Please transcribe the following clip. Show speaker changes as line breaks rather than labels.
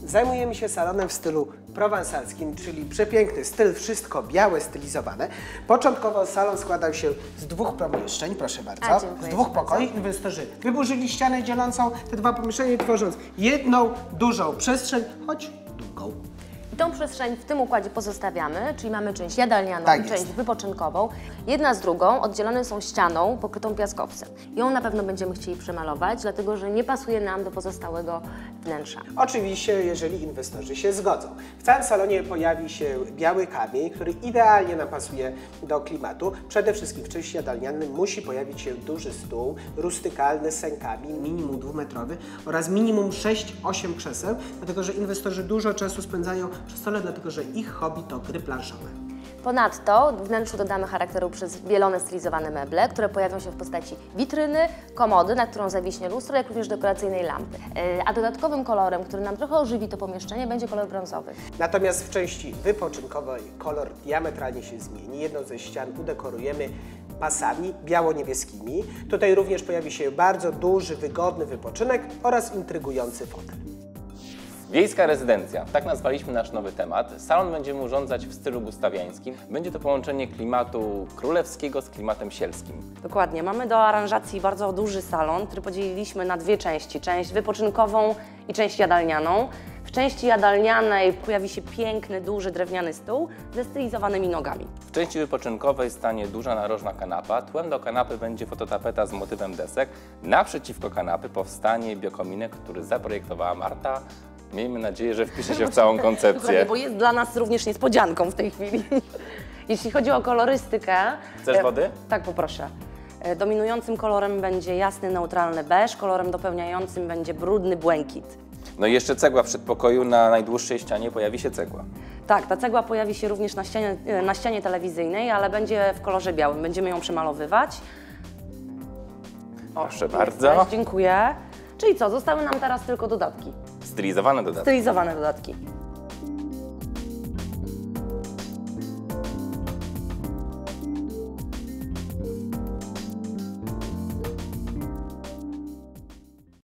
Zajmujemy się salonem w stylu prowansalskim, czyli przepiękny styl, wszystko białe, stylizowane. Początkowo salon składał się z 2 pomieszczeń, proszę bardzo, z 2 pokoi. Inwestorzy wyburzyli ścianę dzielącą te 2 pomieszczenia, tworząc jedną dużą przestrzeń, choć długą.
Tą przestrzeń w tym układzie pozostawiamy, czyli mamy część jadalnianą i część wypoczynkową. Jedna z drugą oddzielone są ścianą pokrytą piaskowcem. Ją na pewno będziemy chcieli przemalować, dlatego że nie pasuje nam do pozostałego wnętrza.
Oczywiście, jeżeli inwestorzy się zgodzą. W całym salonie pojawi się biały kamień, który idealnie nam pasuje do klimatu. Przede wszystkim w części jadalnianej musi pojawić się duży stół, rustykalny z sękami, minimum 2-metrowy oraz minimum 6-8 krzeseł, dlatego że inwestorzy dużo czasu spędzają przy stole, dlatego że ich hobby to gry planszowe.
Ponadto w wnętrzu dodamy charakteru przez bielone stylizowane meble, które pojawią się w postaci witryny, komody, na którą zawiśnie lustro, jak również dekoracyjnej lampy. A dodatkowym kolorem, który nam trochę ożywi to pomieszczenie, będzie kolor brązowy.
Natomiast w części wypoczynkowej kolor diametralnie się zmieni. Jedną ze ścian udekorujemy pasami biało-niebieskimi. Tutaj również pojawi się bardzo duży, wygodny wypoczynek oraz intrygujący fotel.
Wiejska rezydencja, tak nazwaliśmy nasz nowy temat. Salon będziemy urządzać w stylu gustawiańskim. Będzie to połączenie klimatu królewskiego z klimatem sielskim.
Dokładnie. Mamy do aranżacji bardzo duży salon, który podzieliliśmy na 2 części. Część wypoczynkową i część jadalnianą. W części jadalnianej pojawi się piękny, duży drewniany stół ze stylizowanymi nogami.
W części wypoczynkowej stanie duża narożna kanapa. Tłem do kanapy będzie fototapeta z motywem desek. Naprzeciwko kanapy powstanie biokominek, który zaprojektowała Marta. Miejmy nadzieję, że wpisze się w całą koncepcję.
Dokładnie, bo jest dla nas również niespodzianką w tej chwili. Jeśli chodzi o kolorystykę...
Chcesz wody?
Tak, poproszę. Dominującym kolorem będzie jasny, neutralny beż, kolorem dopełniającym będzie brudny błękit.
No i jeszcze cegła w przedpokoju, na najdłuższej ścianie pojawi się cegła.
Tak, ta cegła pojawi się również na ścianie telewizyjnej, ale będzie w kolorze białym. Będziemy ją przemalowywać.
Proszę bardzo.
Dziękuję. Czyli co, zostały nam teraz tylko dodatki.
Stylizowane dodatki.
Stylizowane dodatki.